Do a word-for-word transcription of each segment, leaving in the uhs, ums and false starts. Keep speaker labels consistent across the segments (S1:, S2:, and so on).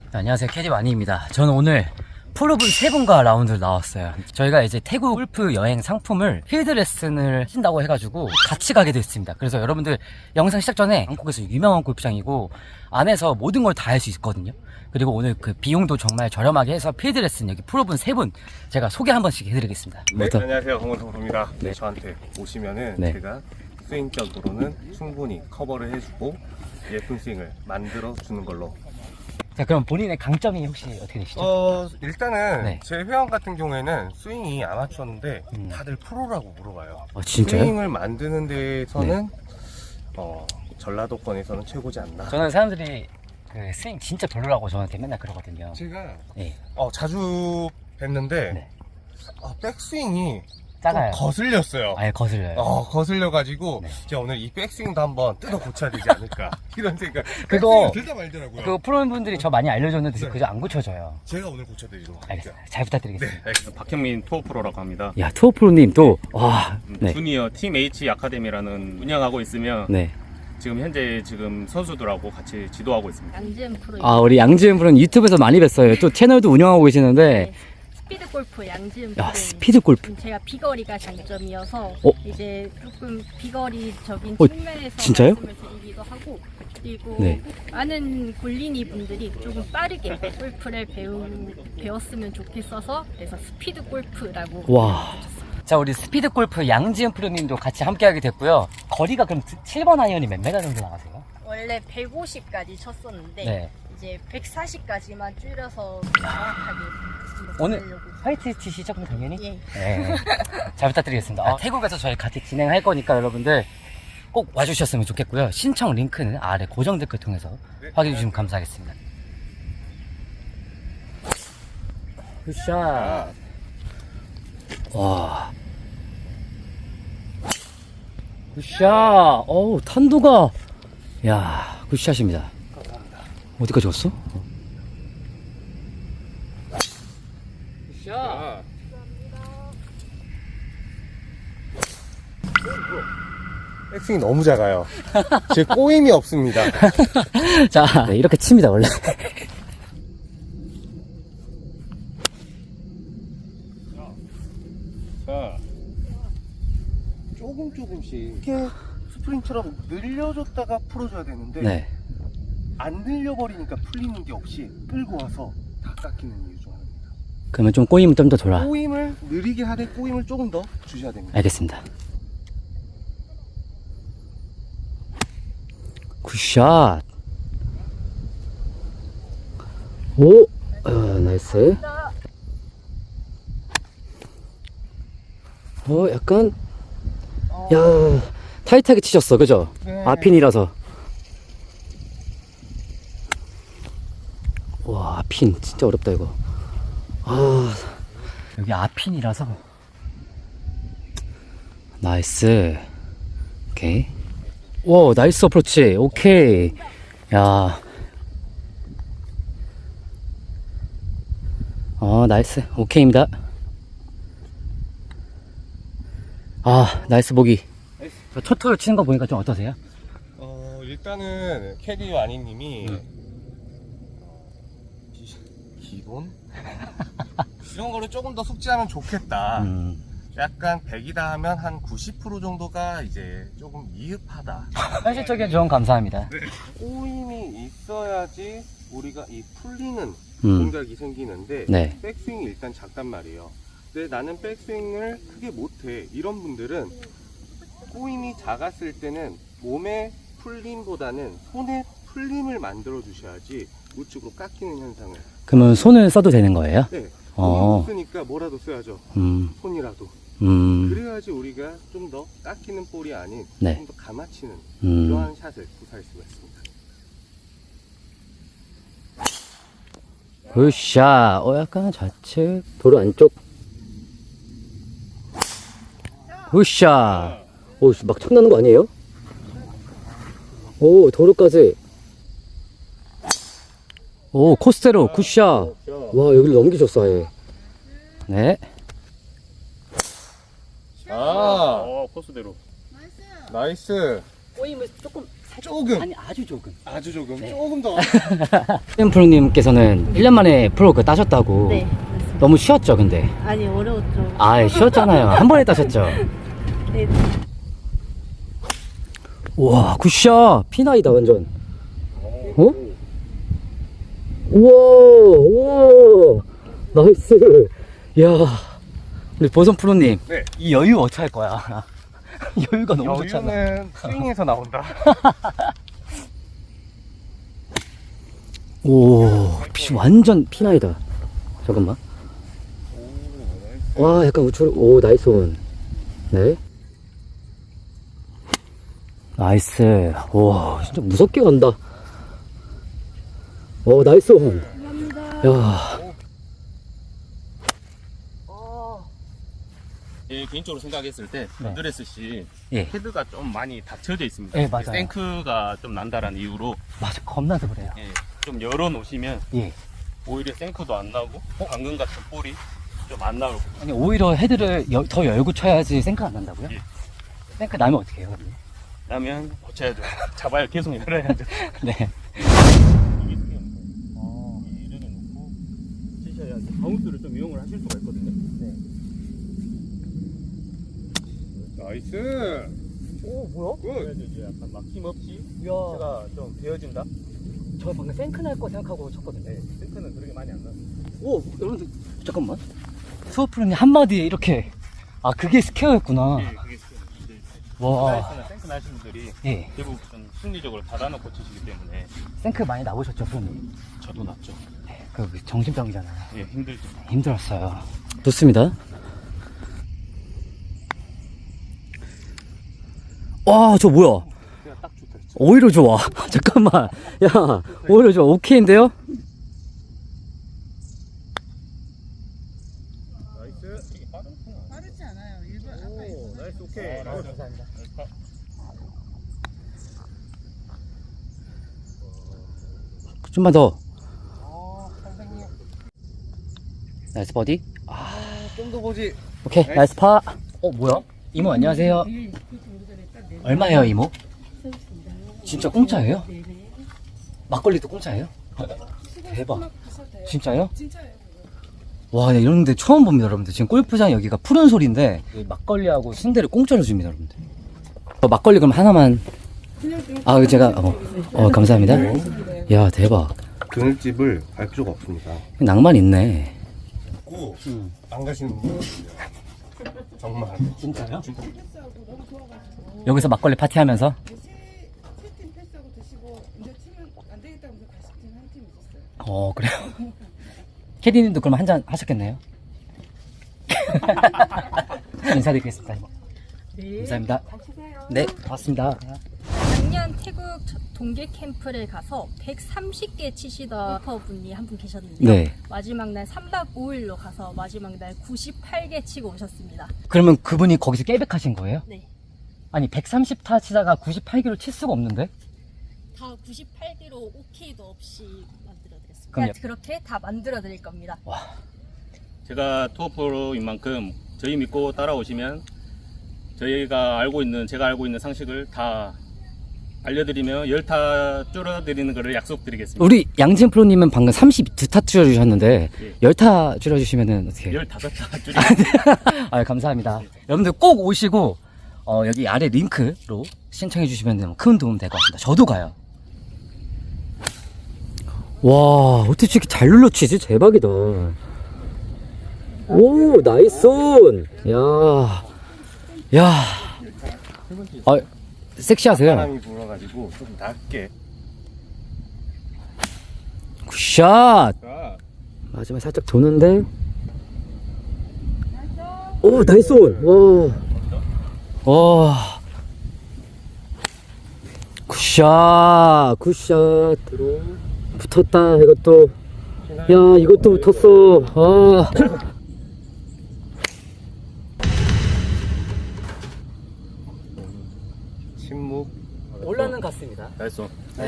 S1: 안녕하세요, 캐디 와니입니다. 저는 오늘 프로분 세 분과 라운드를 나왔어요. 저희가 이제 태국 골프 여행 상품을 필드 레슨을 하신다고 해가지고 같이 가게 됐습니다. 그래서 여러분들 영상 시작 전에 한국에서 유명한 골프장이고 안에서 모든 걸 다 할 수 있거든요. 그리고 오늘 그 비용도 정말 저렴하게 해서 필드 레슨 여기 프로분 세 분 제가 소개 한 번씩 해드리겠습니다.
S2: 네,
S1: 부터.
S2: 안녕하세요, 홍원성 프로입니다.
S1: 네.
S2: 저한테 오시면은
S1: 네.
S2: 제가 스윙적으로는 충분히 커버를 해주고 예쁜 스윙을 만들어 주는 걸로.
S1: 자, 그럼 본인의 강점이 혹시 어떻게 되시죠?
S2: 어 일단은
S1: 네.
S2: 제 회원 같은 경우에는 스윙이 아마추어인데
S1: 음.
S2: 다들 프로라고 물어봐요.
S1: 어, 진짜요?
S2: 스윙을 만드는 데에서는 어 전라도권에서는 최고지 않나.
S1: 저는 사람들이 그 스윙 진짜 별로라고 저한테 맨날 그러거든요.
S2: 제가
S1: 네.
S2: 어 자주 뵀는데
S1: 네.
S2: 어, 백스윙이
S1: 작아요.
S2: 좀 거슬렸어요.
S1: 아예 거슬려요.
S2: 어, 거슬려가지고,
S1: 네.
S2: 제가 오늘 이 백스윙도 한번 뜯어 고쳐야 되지 않을까. 이런 생각.
S1: 그거-
S2: 백스윙을 들다 말더라고요.
S1: 그 프로분들이 저 많이 알려줬는데
S2: 네.
S1: 그저 안 고쳐져요.
S2: 제가 오늘 고쳐드리도록 할게요.
S1: 알겠습니다. 잘 부탁드리겠습니다.
S2: 네, 알겠습니다.
S3: 박형민 투어 프로라고 합니다.
S1: 야, 투어 프로님 또, 와, 네.
S3: 주니어 팀 H 아카데미라는 운영하고 있으며
S1: 네.
S3: 지금 현재 지금 선수들하고 같이 지도하고 있습니다.
S4: 양지은 프로.
S1: 아, 우리 양지은 프로는 유튜브에서 많이 뵀어요. 또 채널도 운영하고 계시는데,
S4: 네, 스피드 골프 양지은 프로.
S1: 야, 스피드 골프.
S4: 제가 비거리가 장점이어서
S1: 어?
S4: 이제 조금 비거리적인
S1: 어,
S4: 측면에서
S1: 진짜요?
S4: 말씀을 드리기도 하고 그리고
S1: 네.
S4: 많은 골린이 분들이 조금 빠르게 골프를 배우, 배웠으면 좋겠어서 그래서 스피드 골프라고.
S1: 와. 자, 우리 스피드 골프 양지은 프로님도 같이 함께하게 됐고요. 거리가 그럼 칠 번 아이언이 몇 메가 정도 나가세요?
S4: 원래 백오십까지 쳤었는데
S1: 네.
S4: 이제 백사십까지만 줄여서 정확하게
S1: 오늘
S4: 하려고.
S1: 화이트 치시죠, 그럼 당연히?
S4: 예.
S1: 네. 잘 부탁드리겠습니다. 아, 태국에서 저희 같이 진행할 거니까 여러분들 꼭 와주셨으면 좋겠고요. 신청 링크는 아래 고정 댓글 통해서
S2: 네.
S1: 확인해 주시면 감사하겠습니다. 굿샷. 와. 굿샷. 어우, 탄도가. 야, 굿샷입니다. 어디까지 갔어? 굿샷.
S2: 백스윙이 너무 작아요. 제 꼬임이 없습니다.
S1: 자, 네, 이렇게 칩니다, 원래.
S3: 자,
S2: 조금 조금씩. 이렇게 스프링처럼 늘려줬다가 풀어줘야 되는데,
S1: 네.
S2: 안 늘려버리니까 풀리는 게 없이 끌고 와서 다 깎이는 이유 중 하나입니다.
S1: 그러면 좀 꼬이면 좀 더 돌아.
S2: 꼬임을 느리게 하되 꼬임을 조금 더 주셔야 됩니다.
S1: 알겠습니다. 굿샷. 오, 어, 나이스. 어, 약간, 야, 타이트하게 치셨어, 그죠?
S2: 네.
S1: 아핀이라서. 와, 아핀, 진짜 어렵다, 이거. 아, 여기 아핀이라서. 나이스. 오케이. 와, 나이스 어프로치. 오케이. 야. 어, 나이스. 오케이입니다. 아, 나이스 보기. 첫 툴 치는 거 보니까 좀 어떠세요?
S2: 어, 일단은 캐디 와니님이
S1: 음.
S2: 기, 기본? 이런 거를 조금 더 숙지하면 좋겠다.
S1: 음.
S2: 약간 백이다 하면 한 구십 퍼센트 정도가 이제 조금 미흡하다.
S1: 현실적인 조언 감사합니다.
S2: 꼬임이 있어야지 우리가 이 풀리는
S1: 음.
S2: 동작이 생기는데
S1: 네.
S2: 백스윙이 일단 작단 말이에요. 근데 나는 백스윙을 크게 못해. 이런 분들은 꼬임이 작았을 때는 몸의 풀림보다는 손의 풀림을 만들어 주셔야지 우측으로 깎이는 현상을.
S1: 그러면 손을 써도 되는 거예요?
S2: 네.
S1: 어.
S2: 손이 없으니까 뭐라도 써야죠.
S1: 음.
S2: 손이라도.
S1: 음.
S2: 그래야지 우리가 좀 더 깎이는 볼이 아닌
S1: 네.
S2: 좀 더 감아치는
S1: 음.
S2: 이러한 샷을 구사할 수가 있습니다.
S1: 굿샷. 어, 약간 좌측. 도로 안쪽. 굿샷. 오, 막 쳤나는 거 아니에요? 오, 도로까지. 오, 코스테로. 굿샷. 와, 여기를 넘기셨어, 아예. 네.
S2: 아,
S3: 어, 코스대로.
S2: 나이스.
S4: 꼬임을 조금
S2: 조금.
S1: 아니 아주 조금.
S2: 아주 조금.
S1: 네.
S2: 조금 더.
S1: 현 프로님께서는 일 년 만에 프로 그 따셨다고.
S5: 네, 맞습니다.
S1: 너무 쉬웠죠, 근데.
S5: 아니 어려웠죠.
S1: 아, 쉬웠잖아요. 한 번에 따셨죠.
S5: 네,
S1: 우와, 굿샷. 피나이다, 완전. 어? 우와, 우와. 나이스. 이야. 우리 보선 프로님.
S2: 네.
S1: 이 여유 어떻게 할 거야? 여유가 너무 좋잖아.
S2: 여유는 스윙에서 나온다.
S1: 오, 피, 완전 피나이다. 잠깐만. 와, 약간 우측, 오, 나이스 온. 네. 나이스. 와, 진짜 무섭게 간다. 오, 나이스 온. 야.
S3: 예, 개인적으로 생각했을 때
S1: 네.
S3: 드레스씨
S1: 예.
S3: 헤드가 좀 많이 닫혀져 있습니다.
S1: 예, 맞아요.
S3: 생크가 좀 난다라는 이유로
S1: 맞아, 겁나서 그래요.
S3: 예, 좀 열어 놓으시면
S1: 예.
S3: 오히려 생크도 안 나고 방금 같은 볼이 좀 안 나올 거예요.
S1: 아니, 오히려 헤드를 여- 더 열고 쳐야지 생크 안 난다고요?
S3: 예.
S1: 생크 나면 어떻게 해요? 그러면?
S3: 그러면 고쳐야죠. 잡아야 계속 열어야죠.
S1: 네.
S3: 이게 수영. 이게 이렇게 놓고 치셔야지 바운스를 좀 이용을 하실 수가 있거든요. 네.
S2: 나이스.
S1: 오, 뭐야?
S3: 그래야지 이제 약간 막힘 없이
S1: 이야.
S3: 제가 좀 베어진다.
S1: 저 방금 생크 날 거 생각하고 쳤거든요.
S3: 네, 생크는 그렇게 많이 안 나.
S1: 오, 여러분들, 잠깐만. 수어프로님 한마디에 이렇게. 아, 그게 스퀘어였구나.
S3: 예, 그게 이제
S1: 와.
S3: 슬라이스나 생크 나시는 분들이
S1: 예.
S3: 대부분 심리적으로 닫아놓고 치시기 때문에
S1: 생크 많이 나오셨죠, 프로님?
S3: 저도 났죠.
S1: 네, 그 정신병이잖아요.
S3: 예, 힘들죠.
S1: 힘들었어요. 좋습니다. 와, 저 뭐야?
S2: 그냥 딱 좋다. 진짜.
S1: 오히려 좋아. 잠깐만. 야, 오히려 좋아. 오케이인데요?
S3: 나이스. 이게 빠르구나.
S6: 빠르지 않아요. 일반 아까
S3: 오, 나이스 오케이.
S1: 감사합니다. 좀만 더. 나이스 버디. 아,
S2: 좀 더 보지.
S1: 오케이. 나이스 파. 어, 뭐야? 이모 안녕하세요. 얼마예요, 이모? 진짜 공짜예요? 막걸리도 공짜예요? 대박. 진짜요?
S6: 진짜예요.
S1: 와, 네, 이런데 처음 봅니다, 여러분들. 지금 골프장 여기가 푸른 소리인데 이 막걸리하고 순대를 공짜로 줍니다, 여러분들. 어, 막걸리 그럼 하나만. 아, 제가 어, 어 감사합니다. 야, 대박.
S2: 그늘집을 갈 필요가 없습니다.
S1: 낭만 있네.
S2: 고, 안 가시는 분 정말.
S1: 진짜요?
S2: 진짜.
S6: 패스하고 너무 좋아가지고
S1: 여기서 막걸리 파티하면서.
S6: 세팀 패스하고 드시고 이제 팀은 안 되겠다면서 다시 팀 한 팀 있었어요.
S1: 어, 그래요. 캐디님도 그럼 한 잔 하셨겠네요. 인사드리겠습니다.
S4: 네.
S1: 감사합니다.
S4: 가시세요.
S1: 네, 고맙습니다.
S4: 작년 태국 저- 동계 캠프를 가서 백삼십 개 치시던 분이 한 분 계셨는데요.
S1: 네.
S4: 마지막 날 삼 박 오 일로 가서 마지막 날 구십팔 개 치고 오셨습니다.
S1: 그러면 그분이 거기서 깨백하신 거예요?
S4: 네.
S1: 아니, 백삼십 타 치다가 구십팔 개로 칠 수가 없는데?
S4: 다 구십팔 개로 오케이도 없이 만들어드렸습니다.
S1: 그럼요.
S4: 그렇게 다 만들어드릴 겁니다.
S3: 제가 투어 프로인 만큼 저희 믿고 따라오시면 저희가 알고 있는 제가 알고 있는 상식을 다 알려드리며 열타 줄여드리는 것을 약속드리겠습니다.
S1: 우리 양진 프로님은 방금 삼십이 타 줄여주셨는데,
S3: 예.
S1: 십 타 줄여주시면은 어떻게 해요?
S3: 열다섯 타 줄이.
S1: 아, 감사합니다. 여러분들 꼭 오시고, 어, 여기 아래 링크로 신청해주시면 큰 도움 될 것 같습니다. 저도 가요. 와, 어떻게 이렇게 잘 눌러치지? 대박이다. 오, 나이스 온! 야, 야. 아, 섹시하세요.
S2: 바람이 불어가지고 좀 낮게.
S1: 굿샷!
S2: 자,
S1: 마지막에 살짝 도는데. 오, 나이스 온! 와. 와. 굿샷! 굿샷! 붙었다, 이것도. 야, 이것도 붙었어. 아.
S2: 침묵.
S1: 올라는 갔습니다.
S3: 나이스.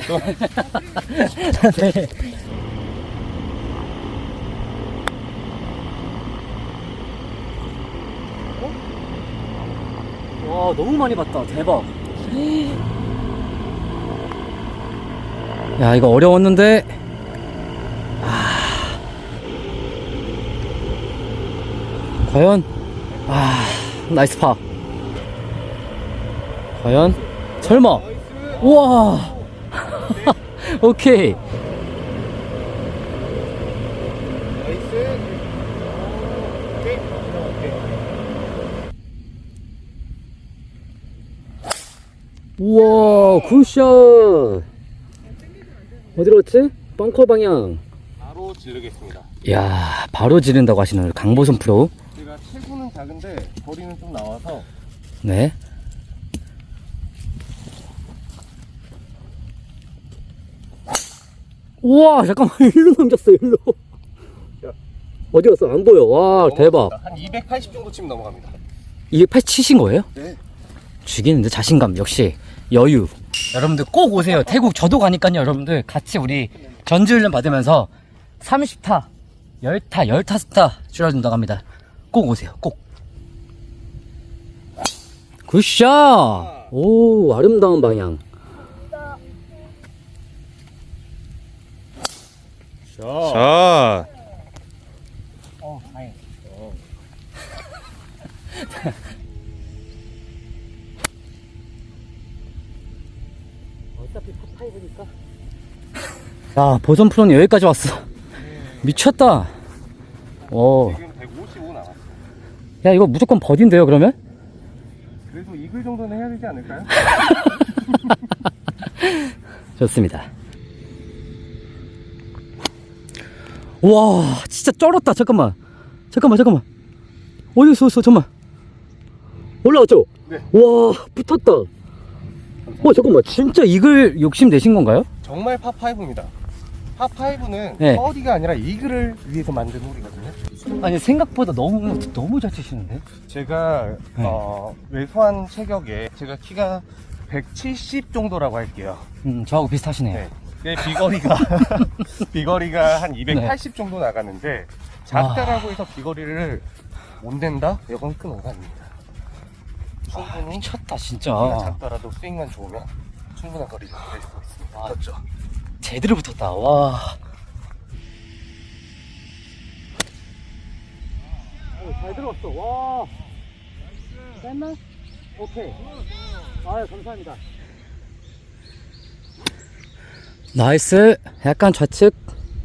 S1: 네. 와, 너무 많이 봤다. 대박. 야, 이거 어려웠는데. 아. 과연? 아, 나이스 파. 과연? 설마? 우와! 오케이. 우와, 굿샷! 어디로 갔지? 벙커 방향.
S2: 바로 지르겠습니다.
S1: 이야, 바로 지른다고 하시는 우리 강보선 프로.
S2: 제가 체구는 작은데 거리는 좀 나와서
S1: 네. 우와, 잠깐만, 일로 넘겼어, 일로. 어디 갔어? 안 보여. 와, 대박.
S2: 한 이백팔십 정도 치면 넘어갑니다.
S1: 이백팔십 치신 거예요?
S2: 네.
S1: 죽이는데 자신감, 역시 여유. 여러분들 꼭 오세요. 태국 저도 가니까요. 여러분들 같이 우리 전지훈련 받으면서 삼십 타, 십 타, 십오 타 줄여준다고 합니다. 꼭 오세요. 꼭. 굿샷! 오, 아름다운 방향.
S2: 자,
S1: 어, 다행. 어차피 팝파이브니까. 야, 보선 프로는 여기까지 왔어. 미쳤다. 오.
S2: 지금 백오십오 남았어.
S1: 야, 이거 무조건 버디인데요, 그러면?
S2: 그래도 이글 정도는 해야 되지 않을까요?
S1: 좋습니다. 와, 진짜 쩔었다. 잠깐만. 잠깐만, 잠깐만. 어디 있어, 있어, 잠깐만. 올라왔죠?
S2: 네.
S1: 와, 붙었다. 어, 잠깐만. 진짜 이글 욕심 내신 건가요?
S2: 정말 파파이브입니다. 파파이브는
S1: 네.
S2: 버디가 아니라 이글을 위해서 만든 홀이거든요.
S1: 아니, 생각보다 너무, 너무 잘 치시는데?
S2: 제가
S1: 네.
S2: 어, 왜소한 체격에 제가 키가 백칠십 정도라고 할게요.
S1: 음, 저하고 비슷하시네요.
S2: 네. 내 비거리가 비거리가 한 이백팔십 정도 나가는데 작다라고 해서 비거리를 못 낸다? 이건 큰 오산입니다.
S1: 아,
S2: 충분히
S1: 미쳤다, 진짜.
S2: 키가 작더라도 스윙만 좋으면 충분한 거리가 될 수 있습니다.
S1: 아,
S2: 그렇죠?
S1: 제대로 붙었다. 와. 오, 잘 들어왔어. 와. 뺐나? 오케이. 아유, 감사합니다. 나이스. 약간 좌측.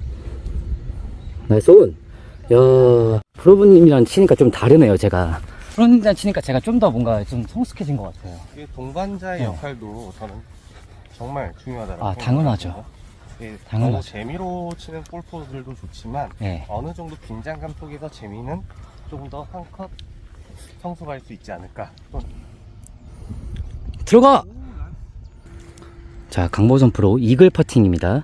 S1: 나이스 온. 야, 프로브님이랑 치니까 좀 다르네요, 제가. 프로님이랑 치니까 제가 좀 더 뭔가 좀 성숙해진 것 같아요.
S2: 이게 동반자의
S1: 네.
S2: 역할도 저는 정말 중요하다고
S1: 아,
S2: 생각합니다.
S1: 당연하죠.
S2: 예,
S1: 당연하죠.
S2: 너무 재미로 치는 골퍼들도 좋지만
S1: 네.
S2: 어느 정도 긴장감 속에서 재미는 조금 더 한 컷 성숙할 수 있지 않을까. 또
S1: 들어가! 자, 강보선 프로 이글 퍼팅입니다.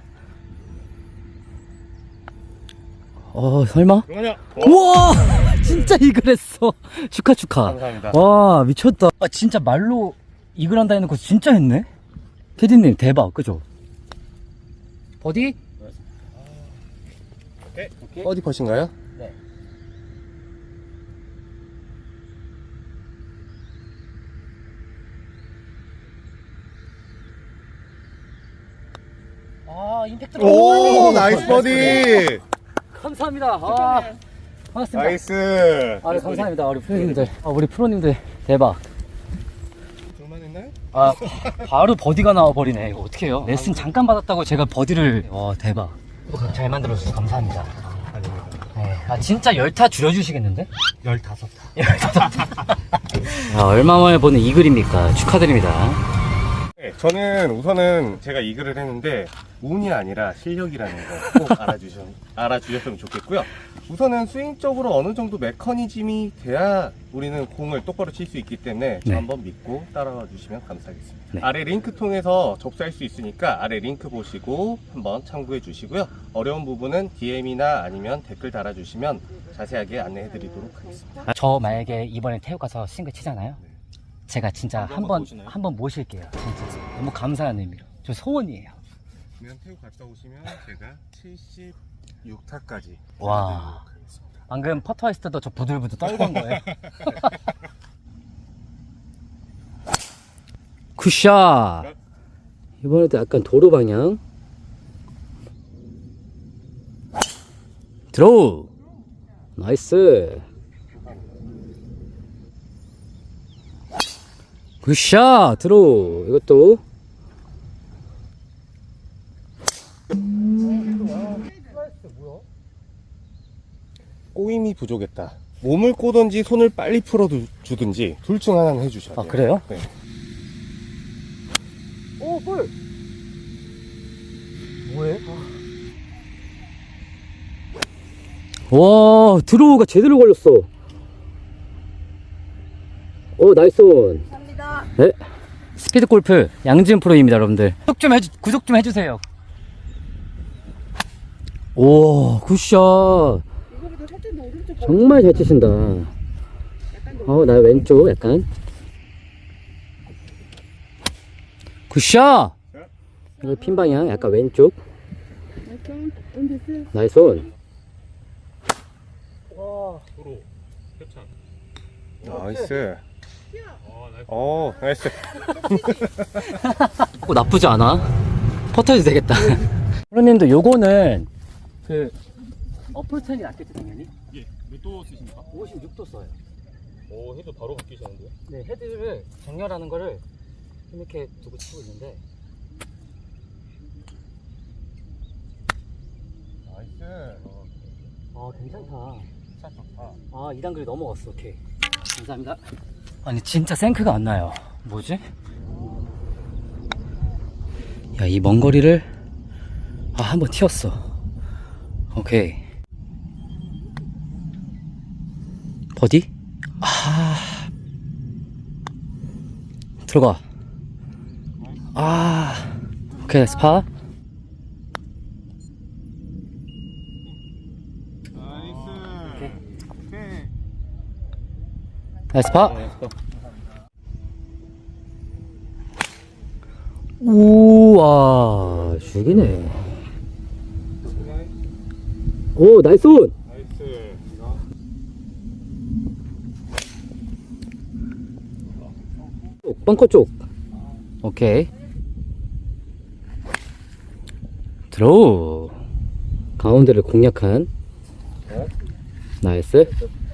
S1: 어, 설마?
S2: 그러냐?
S1: 우와! 진짜 이글 했어. 축하, 축하.
S2: 감사합니다.
S1: 와, 미쳤다. 아, 진짜 말로 이글 한다 해놓고 진짜 했네? 캐디님, 대박. 그죠? 버디?
S2: 오케이. 어디 퍼신가요?
S1: 네. 아, 임팩트.
S2: 오, 나이스 버디.
S1: 감사합니다. 아, 반갑습니다.
S2: 나이스.
S1: 아, 네, 감사합니다. 우리 프로님들. 아, 우리 프로님들. 대박.
S2: 둘만했나요?
S1: 아, 바로 버디가 나와버리네. 이거 어떡해요? 레슨 잠깐 받았다고 제가 버디를. 와, 대박. 잘 만들어주셔서 감사합니다.
S2: 아닙니다.
S1: 네. 아, 진짜 열타 줄여주시겠는데?
S2: 열다섯 타.
S1: 아, 얼마 만에 보는 이글입니까? 축하드립니다.
S2: 네, 저는 우선은 제가 이글을 했는데 운이 아니라 실력이라는 거 꼭 알아주셔, 알아주셨으면 좋겠고요. 우선은 스윙적으로 어느 정도 메커니즘이 돼야 우리는 공을 똑바로 칠 수 있기 때문에 저
S1: 네.
S2: 한번 믿고 따라와 주시면 감사하겠습니다.
S1: 네.
S2: 아래 링크 통해서 접수할 수 있으니까 아래 링크 보시고 한번 참고해 주시고요. 어려운 부분은 디엠이나 아니면 댓글 달아주시면 자세하게 안내해 드리도록 하겠습니다.
S1: 아, 저 만약에 이번에 태국 가서 싱글 치잖아요. 제가 진짜
S3: 한번
S1: 한번
S3: 모시나요?
S1: 한번 모실게요. 진짜 너무 감사한 의미로. 저 소원이에요.
S2: 그러면 태국 갔다 오시면 제가 칠십육 타까지
S1: 와.
S2: 하겠습니다.
S1: 방금 퍼터 했을 때도 저 부들부들 떨던 거예요. 굿샷. 이번에도 약간 도로 방향. 드로우. 나이스. 굿샷. 드로우. 이것도.
S2: 꼬임이 부족했다. 몸을 꼬든지 손을 빨리 풀어주든지 둘 중 하나는 해주셔야 돼요.
S1: 아, 그래요?
S2: 네.
S1: 오, 볼! 뭐해? 와, 드로우가 제대로 걸렸어. 오, 나이스 온.
S5: 감사합니다.
S1: 네. 스피드 골프 양지은 프로입니다, 여러분들. 구독 좀 해주, 구독 좀 해주세요. 오, 굿샷.
S6: 이거보다 살짝 더 오른쪽
S1: 정말 잘 치신다. 어, 나 왼쪽 약간. 굿샷! 이거 핀 방향 약간 왼쪽.
S6: 약간 은 됐어요.
S1: 나이스 온.
S3: 도로 협찬.
S2: 나이스. 어, 나이스.
S1: 어, 나쁘지 않아. 퍼터해도 되겠다. 프로님도 요거는 그 어플10이 낫겠지 당연히.
S3: 예, 몇 도 쓰십니까?
S1: 오십육 도 써요.
S3: 오, 해도 바로 바뀌시는데요?
S1: 네, 헤드를 정렬하는 거를 이렇게 두고 치고 있는데.
S2: 나이스.
S1: 아, 괜찮다. 아, 이 단글이 넘어갔어. 오케이. 감사합니다. 아니, 진짜 생크가 안 나요. 뭐지? 야, 이 먼 거리를 아, 한번 튀었어. 오케이. 버디? 아. 들어가. 아. 오케이, 스파. 나이스 파. 우와, 죽이네. 오, 나이스 온.
S2: 나이스.
S1: 쪽, 벙커 쪽. 오케이. 드로우. 가운데를 공략한. 나이스.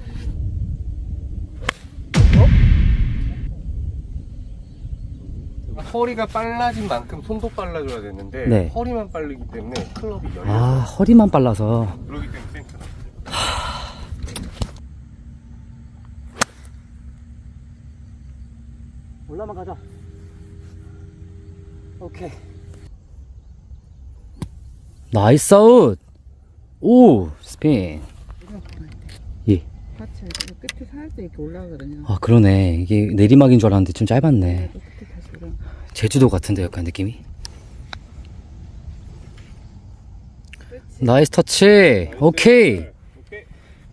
S2: 허리가 빨라진 만큼 손도 빨라져야 되는데
S1: 네.
S2: 허리만 빠르기 때문에 클럽이 열려.
S1: 아, 허리만 빨라서.
S2: 그러기 때문에 생크다.
S1: 올라만 가자. 오케이. 나이스 아웃. 오, 스핀. 예.
S6: 같이 이거 끝에 살짝 이렇게 올라가거든요.
S1: 아, 그러네. 이게 내리막인 줄 알았는데 좀 짧았네.
S6: 또 끝에 다시 올라.
S1: 제주도 같은데 약간 느낌이. 나이스 터치. 오케이.
S2: 오케이.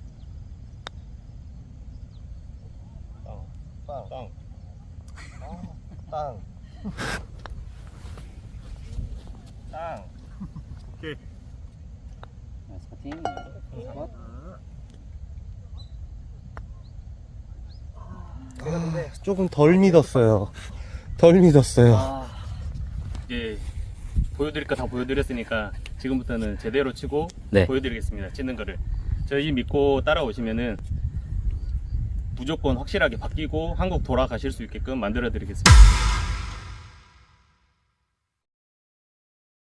S2: 땅, 땅, 땅, 땅, 땅. 오케이.
S1: 나이스 퍼팅.
S2: 조금 덜 믿었어요. 덜 믿었어요.
S1: 아,
S3: 이제 보여드릴 거 다 보여드렸으니까 지금부터는 제대로 치고
S1: 네.
S3: 보여드리겠습니다. 치는 거를. 저희 믿고 따라오시면은 무조건 확실하게 바뀌고 한국 돌아가실 수 있게끔 만들어 드리겠습니다.